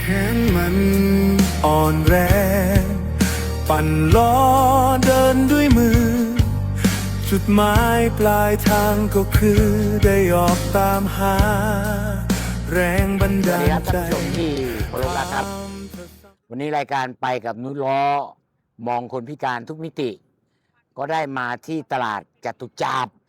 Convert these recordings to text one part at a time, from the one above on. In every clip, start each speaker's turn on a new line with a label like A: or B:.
A: ขนมันอ่อนแรงปั่นล้อเดินด้วยมือจุดหมายปลายทางก็คือได้ออกตามหาแรงบันดาลใจ
B: สวัสดีครับท่านผู้ชมที่เคารพรักครับ วันนี้รายการไปกับนุชล้อมองคนพิการทุกมิติ ก็ได้มาที่ตลาดจตุจักร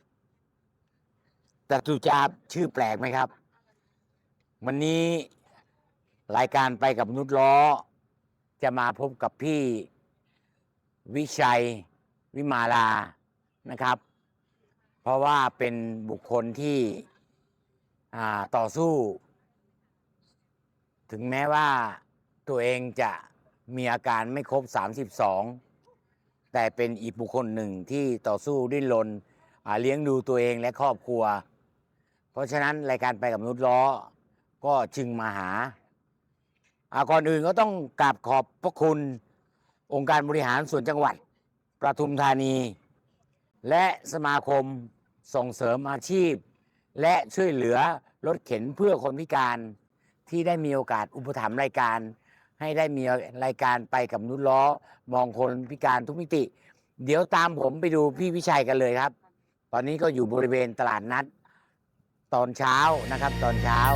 B: ชื่อแปลกไหมครับ วันนี้รายการไปกับนุชล้อจะมาพบกับพี่วิชัยวิมาลานะครับ เพราะว่าเป็นบุคคลที่ต่อสู้ ถึงแม้ว่าตัวเองจะมีอาการไม่ครบ32แต่เป็นอีกบุคคลหนึ่งที่ต่อสู้ดิ้นรนเลี้ยงดูตัวเองและครอบครัว เพราะฉะนั้นรายการไปกับนุชล้อก็จึงมาหาก่อนอื่นก็ต้องกราบขอบพระคุณองค์การบริหารส่วนจังหวัดปทุมธานี และสมาคมส่งเสริมอาชีพ และช่วยเหลือรถเข็นเพื่อคนพิการที่ได้มีโอกาสอุปถัมภ์รายการ ให้ได้มีรายการไปกับนุชล้อมองคนพิการทุกมิติ เดี๋ยวตามผมไปดูพี่วิชัยกันเลยครับ ตอนนี้ก็อยู่บริเวณตลาดนัดตอนเช้านะครับตอนเช้า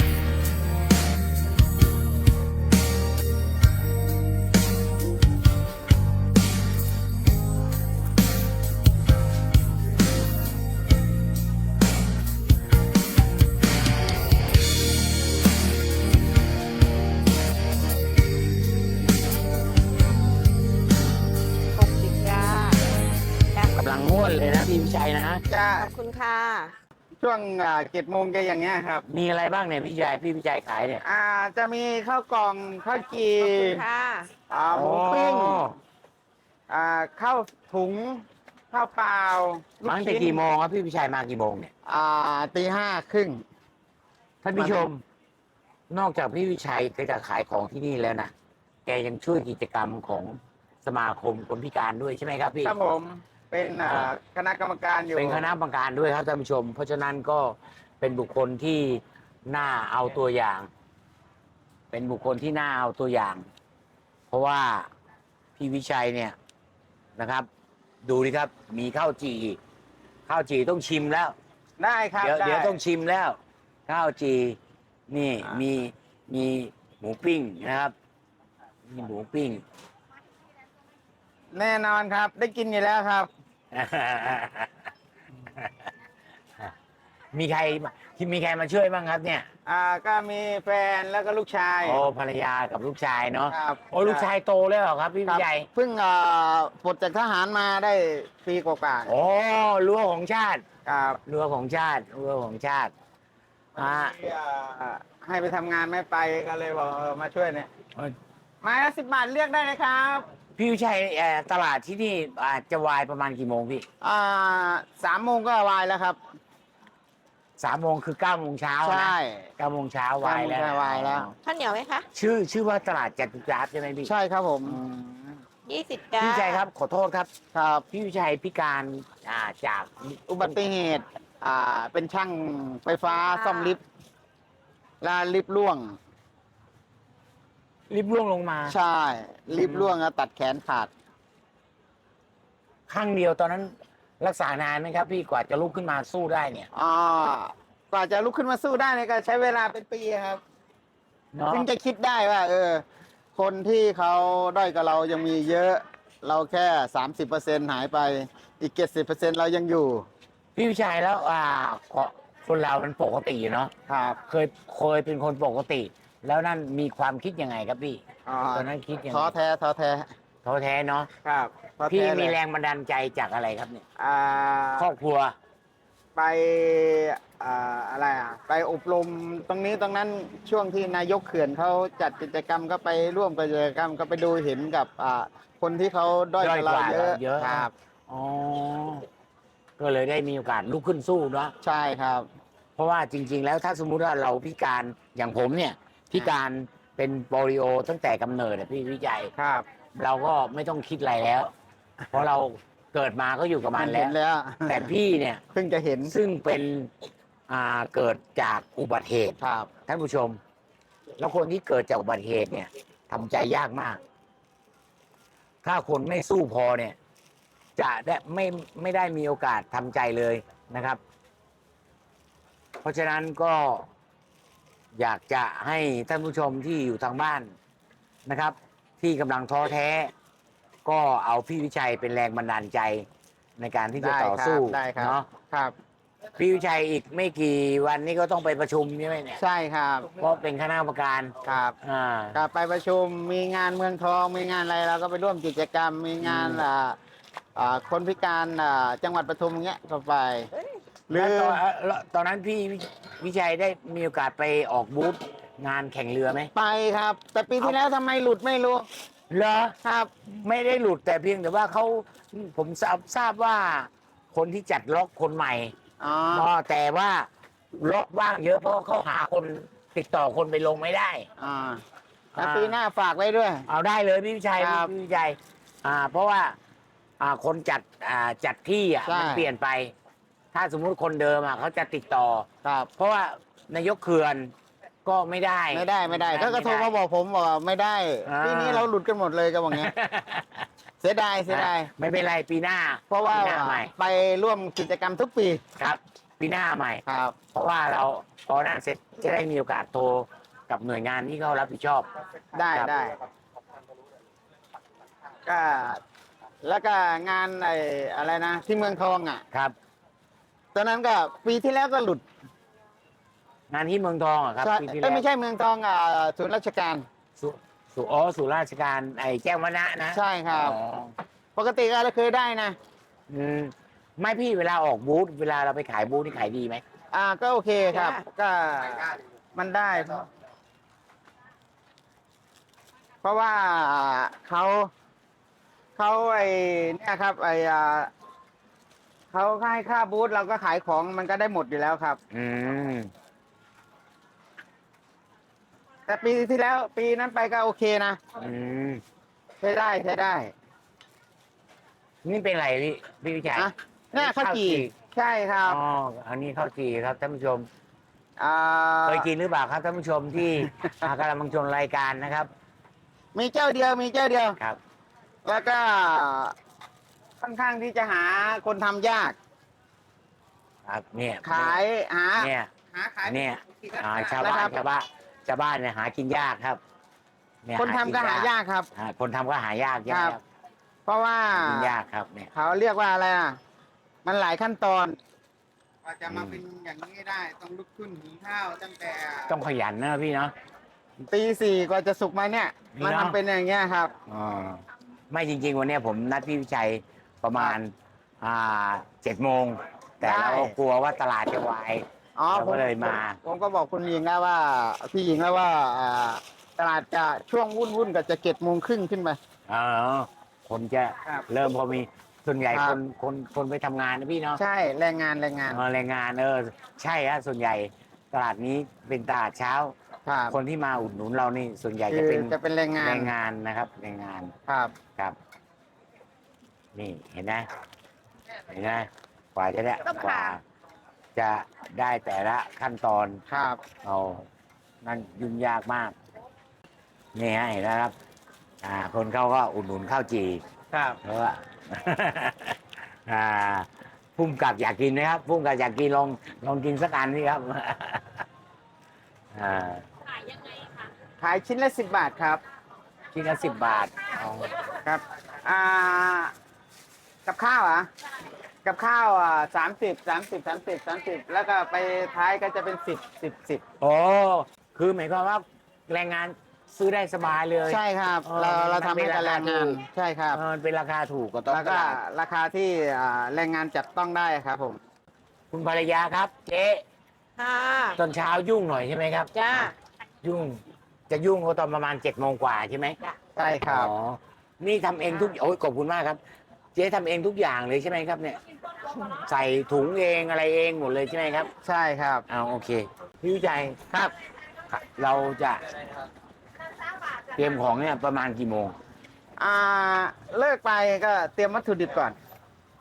C: 60จ้าจ้าก
B: ำลังม่วนเลยนะพี่วิชัยนะ
D: จะ
C: ขอบคุณค่ะ
D: ช่วง7 โมงจะอย่างเงี้ยครับ
B: มีอะไรบ้างเนี่ยพี่วิชัยขายเนี่ย
D: จะมีข้าวกล่องข้าวจี
C: ขอบคุณค่ะ
D: หมูปิ้ง
B: อ๋อ
D: ข้าวถุงข้าวเปล่าลู
B: มาตั้งแต่
D: ชิ้น
B: กี่โมงครับพี่วิชัยมากี่โมงเนี่ย
D: ตี 5 ครึ่ง
B: ท่านผู้ชม นอกจากพี่วิชัยจะขายของที่นี่แล้วนะแกยังช่วยกิจกรรมของสมาคมคนพิการด้วยใช่ไหมครับพี่
D: ครับผมเป็นคณะกรรมการอยู่
B: เป็นคณะกรรมการด้วยครับท่านผู้ชม เพราะฉะนั้นก็เป็นบุคคลที่น่าเอาตัวอย่าง เป็นบุคคลที่น่าเอาตัวอย่าง เพราะว่าพี่วิชัยเนี่ยนะครับ ดูดิครับ มีข้าวจีต้องชิมแล้ว
D: ได้ครับ
B: เดี๋ยว
D: ได้
B: ต้องชิมแล้ว ข้าวจีนี่มีหมูปิ้งนะครับมีหมูปิ้ง
D: แน่นอนครับ ได้กินอยู่แล้วครับ
B: มีใครมาช่วยบ้างครับเนี่ย
D: ก็มีแฟนแล้วก็ลูกชาย
B: โอ้ภรรยากับลูกชายเนาะ
D: ครับ
B: โอ้ลูกชายโตแล้วเหรอครับพี่
D: ค
B: วิ
D: รับ
B: ชัย
D: เพิ่งปลดจากทหารมาได้ปีกว่า
B: โอ้รั้วของชาติ
D: ๆครับ
B: รั้วของชาติ
D: ให้ไปทำงานไม่ไปก็เลยบอกมาช่วยเนี่ยไม้ละ10 บาทเลือกได้เลยครับ
B: พี่วิชัยตลาดที่นี่จะวายประมาณกี่โมงพี่
D: 3 โมงก็วายแล้วครับ
B: 3 โมงคือ9 โมงเช้า
D: ใช่
B: นะ9 โมงเช้าวายแล้ว
D: 9 โมงเช้าวายแล้ว
C: ข้าวเหนียวไหมคะ
B: ชื่อว่าตลาดจตุจักรใช่ไหมพี่
D: ใช่ครับผม
C: 20จ้า
B: พี่วิชัยครับขอโทษครับ
D: ครับ
B: พี่วิชัยพิการจาก
D: อุบัติเหตุเป็นช่างไฟฟ้าซ่อมลิฟต์แล้วลิฟต์ร่วง
B: ลิฟต์ร่วงลงมา
D: ใช่ลิฟต์ร่วงแล้วตัดแขนขาด
B: ข้างเดียวตอนนั้นรักษานานไหมครับ พี่กว่าจะลุกขึ้นมาสู้ได้เนี่ย
D: กว่าจะลุกขึ้นมาสู้ได้เนี่ยก็ใช้เวลาเป็นปีครับ
B: เนาะ
D: ถึงจะคิดได้ว่า คนที่เขาด้อยกับเรายังมีเยอะ เราแค่ 30%หายไป อีก 70%เรายังอยู่
B: พี่วิชัยแล้วคนเรามันปกติเนาะ
D: ครับ
B: เคยเป็นคนปกติ แล้วนั่นมีความคิดยังไงครับพี่ ตอนนั้นคิดยังไง
D: ท้อแท้
B: ท้อแท้เนาะ
D: ครับท้อ
B: พี่
D: แท้
B: มี
D: เลย
B: แรงบันดาลใจจากอะไรครับเนี่ย
D: อ่า
B: ครอบครัว
D: ไปไปอบรมตรงนี้ตรงนั้นช่วงที่นายกเขื่อนเขาจัดกิจกรรมก็ไปร่วมกิจกรรมก็ไปดูเห็นกับคนที่เขาด้อยกว่าเราเยอะครับ
B: อ๋อ ก็เลยได้มีโอกาสลุกขึ้นสู้เนาะ
D: ใช่ครับ
B: เพราะว่าจริง ๆ แล้วถ้าสมมุติว่าเราพิการอย่างผมเนี่ย พิการเป็นโปลิโอตั้งแต่กำเนิดอะพี่วิจัย
D: ครับ
B: เราก็ไม่ต้องคิดอะไรแล้ว เพราะเราเกิดมาก็อยู่กับมัน
D: เห็น
B: แล้ว
D: แล้ว
B: แต่พี่เนี่ย
D: เพิ่งจะเห็น
B: ซึ่งเป็นเกิดจากอุบัติเหตุ
D: ครับ
B: ท่านผู้ชมแล้วคนที่เกิดจากอุบัติเหตุเนี่ยทำใจยากมาก ถ้าคนไม่สู้พอเนี่ย จะได้ไม่ได้มีโอกาสทำใจเลยนะครับ เพราะฉะนั้นก็อยากจะให้ท่านผู้ชมที่อยู่ทางบ้านนะครับ ที่กำลังท้อแท้ ก็เอาพี่วิชัยเป็นแรงบันดาลใจในการที่จะต่อสู้
D: ได้ครับ
B: เนาะ
D: ครับ
B: พี่วิชัยอีกไม่กี่วันนี้ก็ต้องไปประชุมใช่ไหมเนี่ย
D: ใช่ครับ
B: เพราะเป็นคณะกรรมการ
D: ครับ กลับไปประชุมมีงานเมืองทองมีงานอะไรเราก็ไปร่วมกิจกรรม มีงานคนพิการจังหวัดปทุมเงี้ยก็ไปหรื
B: แล้ว
D: อ
B: ตอนนั้นพี่วิชัยได้มีโอกาสไปออกบูธงานแข่งเรือไหม
D: ไปครับ แต่ปีที่แล้วทำไมหลุดไม่รู้
B: เหรอ
D: ครับ
B: ไม่ได้หลุดแต่เพียงแต่ว่าผมทราบว่าคนที่จัดล็อกคนใหม่
D: อ๋อ
B: แต่ว่าล็อกว่างเยอะเพราะเขาหาคนติดต่อคนไปลงไม่ได้
D: แล้วปีหน้าฝากไว้ด้วย
B: เอาได้เลยพี่วิชัย
D: ครับ
B: พี่วิชัยเพราะว่าคนจัดที่
D: ใช่
B: มันเปลี่ยนไป ถ้าสมมุติคนเดิมเขาจะติดต่อ
D: ครับ
B: เพราะว่านายกเขื่อนก็ไม่ได้
D: ไม่ได้ก็กระโทรมาบอกผมบอกว่าไม่ได้
B: อ่า
D: ปีนี้เราหลุดกันหมดเลยก็บอกเงี้ย เสียดาย
B: ไม่เป็นไรปีหน้า
D: เพราะว่า
B: ปีหน้าใหม่
D: ไปร่วมกิจกรรมทุกปี
B: ครับ ปีหน้าใหม่
D: ครับ
B: เพราะว่าเราพอนั้นเสร็จจะได้มีโอกาสโทรกับหน่วยงานที่เขารับผิดชอบ
D: ได้
B: ครับ
D: ได้ก็แล้วก็งานอะไรนะที่เมืองทองอ่ะ
B: ครับ
D: ตอนนั้นก็ปีที่แล้วก็หลุด
B: งานที่เมืองทองอะครับ
D: ใช่
B: ปีที่แล้ว
D: ไม่ใช่เมืองทองศูนย์ราชการ
B: สุราชการแจ้งวัฒนะนะ
D: ใช่ครับ
B: อ๋อ
D: ปกติก็เราเคยได้นะ
B: อืมไม่พี่เวลาออกบูธเวลาเราไปขายบูธนี่ขายดีไหม
D: ก็โอเคครับ ก็มันได้ เพราะว่าเขาเนี่ยครับเขาให้ค่าบูธเราก็ขายของมันก็ได้หมดอยู่แล้วครับ
B: อืม
D: แต่ปีที่แล้วปีนั้นไปก็โอเคนะ
B: อืม
D: ใช้ได้ใช้ได้
B: นี่เป็นไรพี่วิชัย
D: อะเนี่ยข้าวจี่
B: ข้าวจี่
D: ใช่ครับ
B: อ๋ออันนี้ข้าวจี่ครับท่านผู้ชม
D: อ่า
B: เคยกินหรือเปล่าครับท่านผู้ชมที่ กำลังชมรายการนะครับ
D: มีเจ้าเดียวมีเจ้าเดียว
B: ครับ
D: แล้วก็ค่อนข้างที่จะหาคนทำยาก
B: ครับเนี่ย
D: ขายหา
B: เนี่ย
D: หาขาย
B: เนี่ยชาว
D: นะ
B: บ้า
D: ครั
B: น
D: บ
B: ชาวบ้านเนี่ยหากินยากครับเย
D: คนทำก็หายากครับ
B: คนทำก็หายาก
D: ครับ เพราะว่า
B: หากินยากครับเนี่ย
D: เขาเรียกว่าอะไรมันหลายขั้นตอนกว่าจะมาเป็นอย่างนี้ได้ต้องลุกขึ้นหุงข้าวตั้งแต่
B: ต้องขยันนะพี่เนาะ
D: ตี 4กว่าจะสุกมาเนี่ย
B: นี่
D: มัน
B: เนอะ
D: ทำเป็นอย่างเงี้ยครับ
B: ไม่จริง ๆ วันเนี้ยผมนัดพี่วิชัยประมาณ7 โมง แต่
D: ได้
B: เรากลัวว่าตลาดจะวาย
D: อ๋อ
B: เราก็เลยมา
D: ผมก็บอกคุณหญิงแล้วว่าพี่หญิงแล้วว่าตลาดจะช่วงวุ่นก็จะ7 โมงครึ่งขึ้นไป
B: คนจะ
D: ครับ
B: เริ่มพอมีส่วนใหญ่
D: ครั
B: ค
D: บ
B: นไปทำงานนะพี่เนาะ
D: ใช่แรงงาน
B: แรงงานใช่ฮะส่วนใหญ่ตลาดนี้เป็นตลาดเช้า
D: ครับ
B: คนที่มาอุดหนุนเรานี่ส่วนใหญ่
D: คื
B: จะ
D: อ
B: เป็น
D: จะเป็นแรงงาน
B: นะครับแรงงาน
D: ครับ
B: ครับ นี่เห็นไหมกว่าจะได้
C: ต้อง
B: กว่า
C: ผ่า
B: จะได้แต่ละขั้นตอน
D: ครับ
B: เอานั่นยุ่งยากมาก นี่ฮะเห็นไหมครับ คนเขาก็อุดหนุนข้าวจี่
D: ครับ
B: เพราะว่า พุ่มกับอยากกินนะครับพุ่มกับอยากกินลองกินสักอันนี่ครับ
D: ขายชิ้นละ10 บาทครับ
B: ชิ้นละ10 บาท
D: ครับกับข้าวกับข้าว30 แล้วก็ไปท้ายก็จะเป็น10
B: โอ้คือหมายความว่าแรงงานซื้อได้สบายเลย
D: ใช่ครับ
B: เออ
D: เรา
B: มัน
D: ทำให้กับแรงงาน
B: เป็นราคาถูก
D: ใช่ครับ
B: มันเป็นราคาถูกกว่าต้น
D: แล้ว
B: ต
D: ก็
B: ลาด
D: ราคาที่แรงงานจับต้องได้ครับผม
B: คุณภรรยาครับ เจ๊
C: ค่ะ
B: ตอนเช้ายุ่งหน่อยใช่ไหมครับ
C: จ้า
B: ยุ่งจะยุ่งก็ตอนประมาณ7 โมงกว่าใช่ไหม
D: ใช่ครับ
B: อ๋อนี่ทำเองทุกโอ้ยขอบคุณมากครับ เจ๊ทำเองทุกอย่างเลยใช่ไหมครับเนี่ย ใส่ถุงเองอะไรเองหมดเลยใช่ไหมครับ
D: ใช่ครับ
B: เอาโอเคพี่วิจัยครับ เราจะเตรียมของเนี่ยประมาณกี่โมง
D: เลิกไปก็เตรียมวัตถุดิบก่อน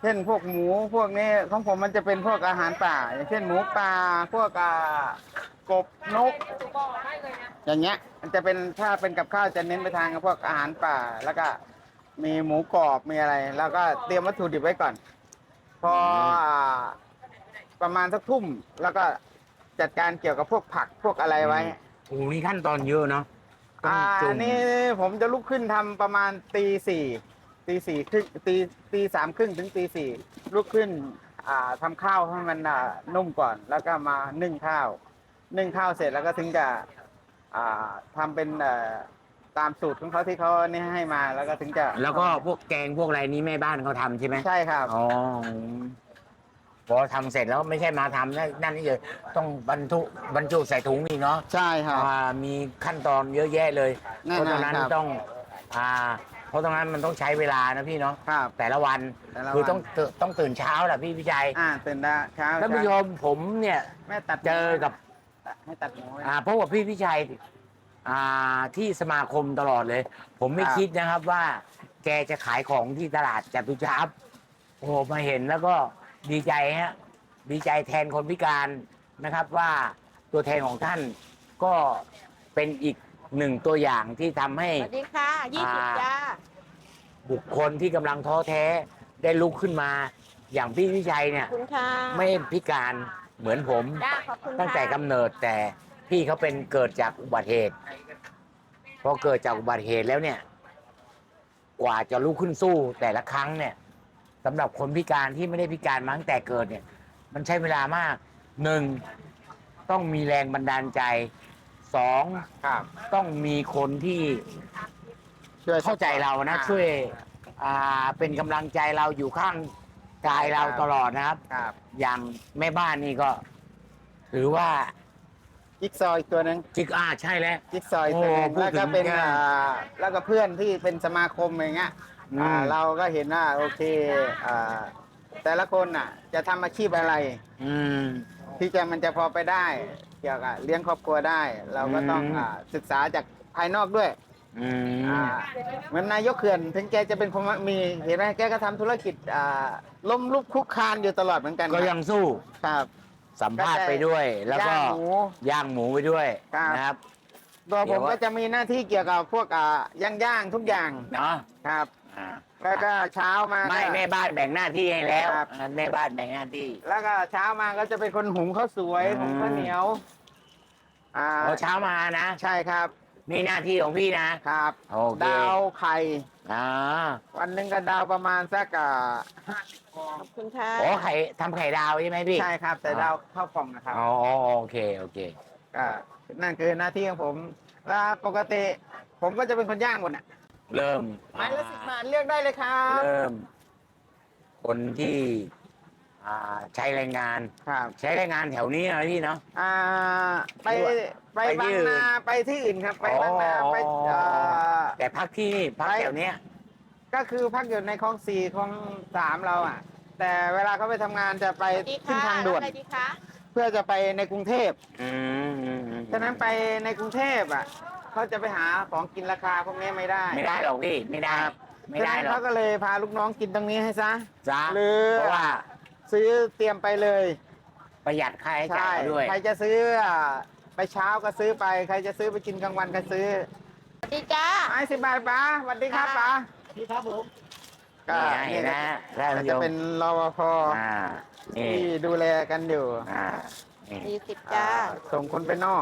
D: เช่นพวกหมูพวกนี้ของผมมันจะเป็นพวกอาหารป่า อย่างเช่นหมูป่าพวกกบนก อย่างเงี้ยมันจะเป็นถ้าเป็นกับข้าวจะเน้นไปทางพวกอาหารป่า แล้วก็มีหมูกรอบมีอะไร แล้วก็เตรียมวัตถุดิบไว้ก่อน พอประมาณสักทุ่มแล้วก็จัดการเกี่ยวกับพวกผักพวกอะไรไว้
B: โอ้โหนี่ขั้นตอนเยอะเนาะต้องจุ่ม
D: นี่ผมจะลุกขึ้นทำประมาณตีสี่ครึ่งตีสามครึ่งถึงตีสี่ลุกขึ้นทำข้าวให้มันนุ่มก่อน แล้วก็มานึ่งข้าวเสร็จแล้วก็ถึงจะทำเป็นตามสูตรของเขาที่เขานี่ให้มาแล้วก็ถึงจะ
B: แล้วก็พวกแกงพวกอะไรนี้แม่บ้านเขาทำใช่ไหม
D: ใช่ครับ
B: อ๋อพอทำเสร็จแล้วไม่ใช่มาทำนั่นนี่เลยต้องบรรจุใส่ถุงอีกเนาะ
D: ใช่ครับ
B: มีขั้นตอนเยอะแยะเลย
D: แน่
B: เพ
D: นอน
B: ราะตรงนั้น
D: ครับ
B: ต้องเพราะตรงนั้นมันต้องใช้เวลานะพี่เนาะ
D: ครับ
B: แต่ละวัน
D: แต่ละวัน
B: คือต้องตื่นเช้าแหละพี่วิจัย
D: ตื่นได้เช้า
B: ท่านผู้ชมผมเนี่ย
D: แม่ตัด
B: เจอกับ
D: ให้ตัดหมูไว้
B: เพราะว่าพี่วิชัยที่สมาคมตลอดเลย ผมไม่
D: ครับ
B: คิดนะครับว่าแกจะขายของที่ตลาดจตุจักรโอ้โหมาเห็นแล้วก็ดีใจฮะดีใจแทนคนพิการนะครับว่าตัวแทนของท่านก็เป็นอีกหนึ่งตัวอย่างที่ทำให้
C: สวัสดีค่ะ 20 จ้า
B: บุคคลที่กำลังท้อแท้ได้ลุกขึ้นมา อย่างพี่วิชัยเนี่ย
C: ขอบคุณค่ะ
B: ไม่พิการเหมือนผม
C: จ้าขอบคุณค่ะ
B: ตั้งแต่กำเนิดแต่พี่เขาเป็นเกิดจากอุบัติเหตุพอเกิดจากอุบัติเหตุแล้วเนี่ย กว่าจะลุกขึ้นสู้แต่ละครั้งเนี่ยสำหรับคนพิการที่ไม่ได้พิการมาตั้งแต่เกิดเนี่ย มันใช้เวลามากหนึ่งต้องมีแรงบันดาลใจสอง
D: ครับ
B: ต้องมีคนที่
D: ช่วย
B: เข้าใจเรานะ ช่วยเป็นกำลังใจเราอยู่ข้างกายเราตลอดนะครับ
D: ครับ
B: อย่างแม่บ้านนี่ก็ถือว่า
D: จิ๊กซอว์อีกตัวหนึง
B: ใช่แล้ว
D: จิ๊กซอว์อีกตัวหนึง
B: โอ้พูด
D: แล้วก็เป็น
B: ถึง
D: แล้วก็เพื่อนที่เป็นสมาคมอย่างเงี้ย เราก็เห็นว่าโอเคแต่ละคนจะทำอาชีพอะไร
B: อืม
D: ที่มันจะพอไปได้ เกี่ยวกับเลี้ยงครอบครัวได้ เราก็ต้อง ศึกษาจากภายนอกด้วย
B: อืม
D: เหมือนนายกเขื่อนถึงแกจะเป็นคนมีเห็นไหมแกก็ทำธุรกิจล้มลุกคลุกคลานอยู่ตลอดเหมือนกัน
B: ก็ยังสู้
D: ครับ
B: สัมภาษณ์ไปด้วย แล้วก็
D: ย่างหมู
B: ย่างหมูไปด้วย
D: ครับ
B: นะครับ
D: ตัว
B: เดี๋
D: ผ
B: ยว
D: มก็จะมีหน้าที่เกี่ยวกับพวกย่างทุกอย่าง
B: เนาะ
D: ครับ
B: อ่า
D: แล้วก็เช้ามา
B: ไม่
D: ก็
B: แม่บ้านแบ่งหน้าที่ให้แล้ว
D: ครับ
B: แม่บ้านแบ่งหน้าที่
D: แล้วก็เช้ามาก็จะเป็นคนหุงข้าวสวย
B: อืม
D: หุงข้าวเหนียว
B: พอเช้ามานะ
D: ใช่ครับ
B: นี่หน้าที่ของพี่นะครับ โอเค
D: ดาวไข่
B: อ่า
D: วันหนึ่งก็ดาวประมาณสัก
C: ขอบคุณค่ะ
B: โอ้ทำไข่ดาวใช่ไหมพี่
D: ใช่ครับ แต่ดาวเข้ากล่องนะครับ
B: อ๋อโอเคโอเค
D: ก็นั่นคือหน้าที่ของผมแล้วปกติผมก็จะเป็นคนย่างหมด
B: เริ่ม
D: ไม้ละ10 บาทเลือกได้เลยครับ
B: เริ่ม คนที่ใช้แรงงาน
D: ครับ
B: ใช้แรงงานแถวนี้นะพี่เนาะ
D: ไป
B: ไป
D: บา
B: ที่
D: ง
B: อื่น
D: นาไปที่อื่นครับ ไปบางนา
B: อ๋อ
D: ไป
B: แต่พักที่นี่พัก
D: ไป
B: แถวเนี้ย
D: ก็คือพักอยู่ในคลอง4คลอง3เราแต่เวลาเขาไปทำงานจะไป
C: สวัสดี
D: ขึ้น
C: ค่ะ
D: ทางด่วน
C: อะไรดีคะ
D: เพื่อจะไปในกรุงเทพ
B: อืม
D: ฉะนั้นไปในกรุงเทพเขาจะไปหาของกินราคาพวกนี้ไม่ได้
B: ไม่ได้หรอกพี่ไม่ได้ไม่ได้
D: ฉะนั้น
B: หรอ
D: เขา
B: ก
D: ก็เลยพาลูกน้องกินตรงนี้ให้ซะ
B: จ้า
D: หรือ
B: เพราะว่า
D: ซื้อเตรียมไปเลย
B: ประหยัดค่าใช้จ่ายเขาด้วย
D: ใครจะซื้อไปเช้าก็ซื้อไป ใครจะซื้อไปกินกลางวันก็ซื้อ
C: สวัสดีจ้า
D: ไม้10 บาทป้าสวัสดีครับป้า
C: ดีครับผม
D: ก็
B: นี่นะท่าน
D: ก็
B: ผู้ช
D: จะ
B: ม
D: เป็นรปภ
B: นี่
D: ที่ดูแลกันอยู่
B: นี่
C: 40 จ้า
D: ส่งคนไปนอก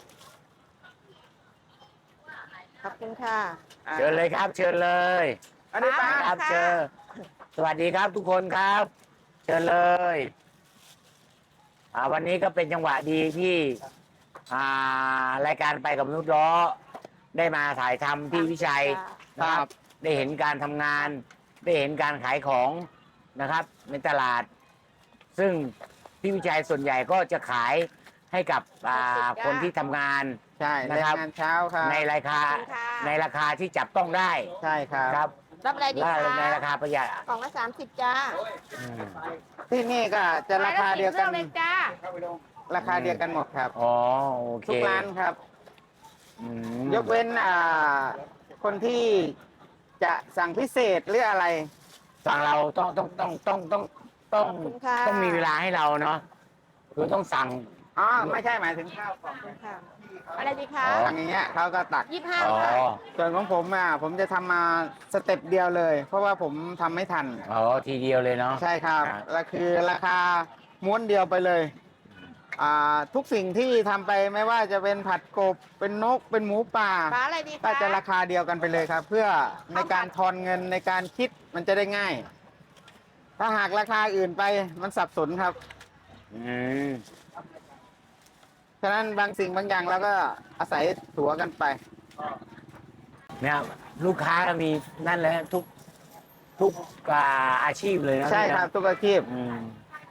C: ขอบคุณค่ะ
B: เชิญเลยครับ เชิญเลย
D: อันนี้ป้า
B: ครับ
C: ค่ะ
B: เชิญสวัสดีครับทุกคนครับ เชิญเลยวันนี้ก็เป็นจังหวะดีที่รายการไปกับมนุษย์ล้อได้มาถ่ายทำที่วิชัยนะครับ ได้เห็นการทำงาน ได้เห็นการขายของนะครับ ในตลาด ซึ่งพี่วิชัยส่วนใหญ่ก็จะขายให้กับคนที่ทำงาน
D: ใช่
B: นะ
D: แรง
B: ครับ
D: งานเช้าครับ
B: ในราคา
C: ขอบคุณค่ะ
B: ในราคาที่จับต้องได้
D: ใช่ครับ
B: ครับ
C: รับอะไรดี
B: และ
C: คะ
B: ในราคาประหยัด
C: กล่องละ 30 จ้า
B: อืม
D: ที่นี่ก็จะราคาเดียวกัน
C: ไม้ละ10เลยจ้า
D: ราคาเดียวกันหมดครับ
B: อ๋อโอเค
D: ทุกร้านครับ
B: อืม
D: ยกเว้นคนที่จะสั่งพิเศษหรืออะไร
B: สั่งเราต้อง
C: ขอบคุณค่ะ
B: ต้องมีเวลาให้เราเนาะคือต้องสั่ง
D: อ๋อไม่ใช่หมายถึงข้าวกล่อง
C: ขอบคุณค่ะ อะไรดีคะ
B: อ๋อ
D: อย่างเงี้ยเขาก็ตัก
C: 25
B: อ๋อ
C: ค่ะ
D: ส่วนของผมผมจะทำมาสเต็ปเดียวเลย เพราะว่าผมทำไม่ทัน
B: อ๋อทีเดียวเลยเนาะ
D: ใช่ครับ
B: ครับ
D: แล้วคือราคาม้วนเดียวไปเลยทุกสิ่งที่ทำไปไม่ว่าจะเป็นผัดกบเป็นนกเป็นหมูป่า
C: ปลาอะไรดี
D: ก็
C: คะ
D: จะราคาเดียวกันไปเลยครับ เพื่อในการทอนเงินในการคิดมันจะได้ง่าย ถ้าหากราคาอื่นไปมันสับสนครับ
B: อืม
D: ฉะนั้นบางสิ่งบางอย่างเราก็อาศัยถัวกันไป
B: เนี่ยลูกค้ามีนั่นเลยทุกอาชีพเลยนะ
D: ใช่ครับทุกอาชีพ
B: อืม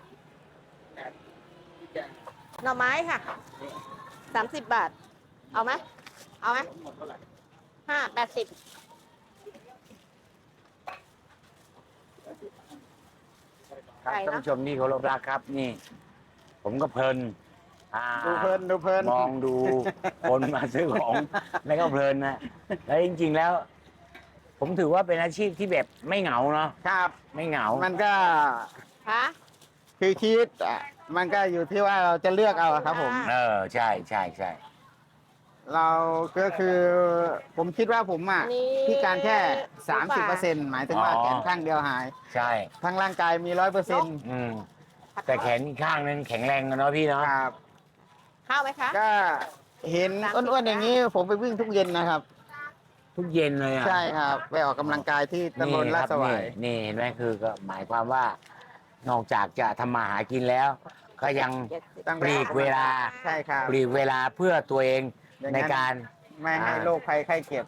C: หน่อไม้ค่ะ 30 บาท เอาไหม เอาไหม80
B: ครับ
C: ไก่
B: ท่าน
C: เนอะ
B: ผู้ชมที่เคารพรักครับนี่ ผมก็เพลิน
D: ดูเพลินดูเพลิน
B: มองดูคนมาซื้อของ แล้วก็เพลินนะแล้วจริง ๆแล้ว ผมถือว่าเป็นอาชีพที่แบบไม่เหงาเนาะ
D: ครับ
B: ไม่เหงา
D: มันก็
C: คะ
D: คือชีวิตมันก็อยู่ที่ว่าเราจะเลือกเอาอะครับผม
B: เออใช่ใช่ใช่
D: เราก็คือผมคิดว่าผม
C: อันนี้
D: พิการแค่
C: หมูป่า
D: 30%หมายถึงว่าแขนข้างเดียวหาย
B: ใช่
D: ทั้งร่างกายมี 100%
B: อืมแต่แขนอีกข้างนึงแข็งแรงกันเนาะพี่เนาะ
D: ครับ
C: ข้าวไหมคะ
D: ก็เห็น
C: 30
D: อ้วนๆอย่างนี้ผมไปวิ่งทุกเย็นนะครับ
B: ทุกเย็นเลยอ่ะ
D: ใช่ครับไปออกกำลังกายที่ตำบลลาดสวาย
B: นี่เห็นไหมคือก็หมายความว่านอกจากจะทำมาหากินแล้ว ก็ยัง
D: ต้อง
B: ปลีกเวลา
D: ใช่ครับ
B: ปลีกเวลาเพื่อตัวเอง
D: อย่างนั้น
B: ในการ
D: ไม่ให้โรคภัยไข้เจ็บ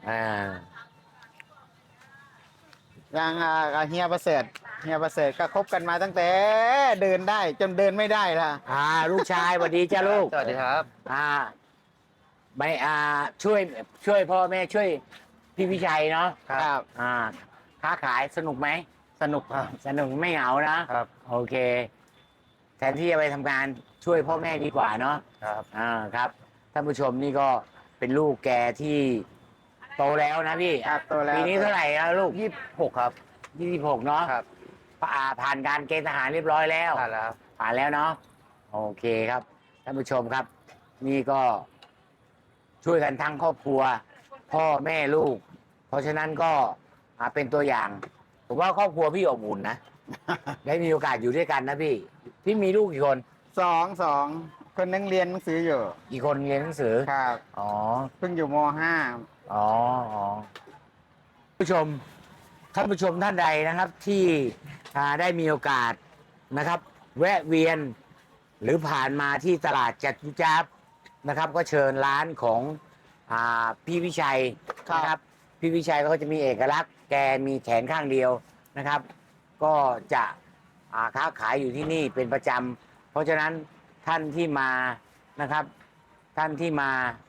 D: อย่างเฮียประเสริฐก็คบกันมาตั้งแต่เดินได้จนเดินไม่ได้ละ
B: ลูกชายสวัสดีจ้าลูก
D: สวัสดีครับ
B: ไม่ช่วยพ่อแม่ช่วยพี่วิชัยเนาะ
D: ครับ
B: ค้าขายสนุกไหม
D: สนุกครับ
B: สนุกไม่เหงานะครับ โอเค แทนที่จะไปทำงานช่วยพ่อแม่ดีกว่าเนาะ
D: ครับ
B: ครับท่านผู้ชมนี่ก็เป็นลูกแกที่โตแล้วนะพี่
D: ครับโตแล้ว
B: ปีนี้เท่าไหร่แล้วลูก
D: 26ครับ
B: 26เนาะ
D: ครับ
B: ผ่านการเกณฑ์ทหารเรียบร้อยแล้ว
D: ผ่านแล้ว
B: ผ่านแล้วเนาะโอเคครับท่านผู้ชมครับ นี่ก็ช่วยกันทั้งครอบครัว พ่อแม่ลูก เพราะฉะนั้นก็เป็นตัวอย่างผมว่าครอบครัวพี่อบอุ่นนะ ได้มีโอกาสอยู่ด้วยกันนะพี่มีลูกกี่คน
D: สองคนนึงเรียนหนังสืออยู่
B: กี่คนเรียนหนังสือ
D: ครับ
B: อ๋อ
D: เพิ่งอยู่ม
B: อ๋อผู้ชมท่านผู้ชมท่านใดนะครับ ที่ได้มีโอกาสนะครับ แวะเวียน หรือผ่านมาที่ตลาดจตุจักรนะครับ ก็เชิญร้านของพี่วิชัยนะครับ พี่วิชัยก็จะมีเอกลักษณ์แกมีแขนข้างเดียวนะครับ ก็จะค้าขายอยู่ที่นี่เป็นประจำเพราะฉะนั้นท่านที่มานะครับ ท่านที่มา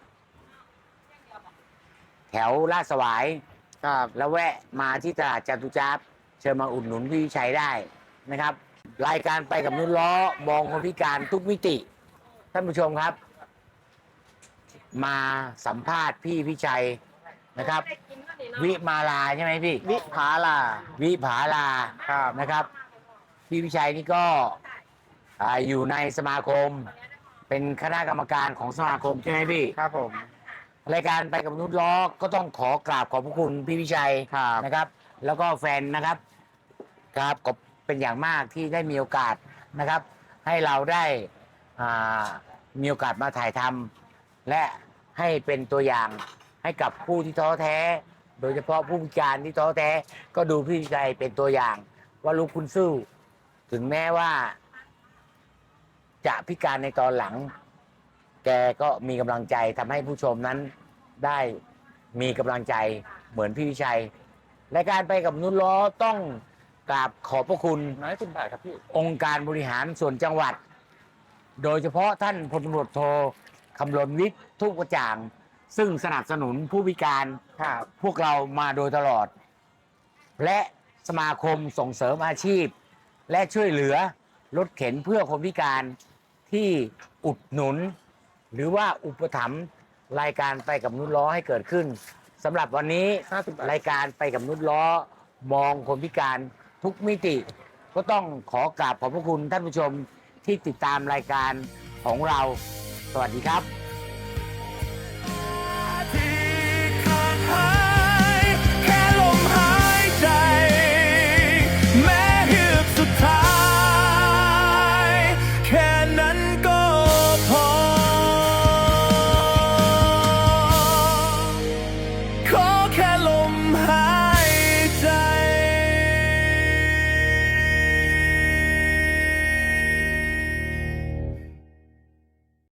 B: แถวลาดสวาย
D: .5 ครับ
B: แล้วแวะมาที่ตลาดจตุจักรเชิญมาอุดหนุนพี่วิชัยได้นะครับ รายการไปกับนุ่นล้อมองคนพิการทุกมิติ ท่านผู้ชมครับ มาสัมภาษณ์พี่วิชัยนะครับ วิมาลาใช่ไหมพี่
D: วิภาลา
B: วิภาลา
D: ครับ
B: นะครับ พี่วิชัยนี่ก็อยู่ในสมาคม เป็นคณะกรรมการของสมาคมใช่ไหมพี่
D: ครับผม
B: รายการไปกับมนุษย์ล้อก็ต้องขอกราบขอบพระคุณพี่วิชัย
D: ครับ
B: นะครับ แล้วก็แฟนนะครับครับก็เป็นอย่างมากที่ได้มีโอกาสนะครับ ให้เราได้มีโอกาสมาถ่ายทำและให้เป็นตัวอย่างให้กับผู้ที่ท้อแท้ โดยเฉพาะผู้พิการที่ท้อแท้ ก็ดูพี่วิชัยเป็นตัวอย่าง ว่าลูกคุณสู้ ถึงแม้ว่า จะพิการในตอนหลัง แกก็มีกำลังใจทำให้ผู้ชมนั้นได้มีกำลังใจเหมือนพี่วิชัยรายการไปกับมนุษย์ล้อต้องกราบขอบพระคุณ
D: 110 บาทครับพี่
B: องค์การบริหารส่วนจังหวัด โดยเฉพาะท่านพลตำรวจโทคำรณวิทย์ทุกกระจ่าง ซึ่งสนับสนุนผู้พิการ
D: ครับ
B: พวกเรามาโดยตลอด และสมาคมส่งเสริมอาชีพ และช่วยเหลือรถเข็นเพื่อคนพิการที่อุดหนุน หรือว่าอุปถัมภ์รายการไปกับมนุษย์ล้อให้เกิดขึ้นสำหรับวันนี้รายการไปกับมนุษย์ล้อมองคนพิการทุกมิติ ก็ต้องขอกราบขอบพระคุณท่านผู้ชมที่ติดตามรายการของเรา สวัสดีครับ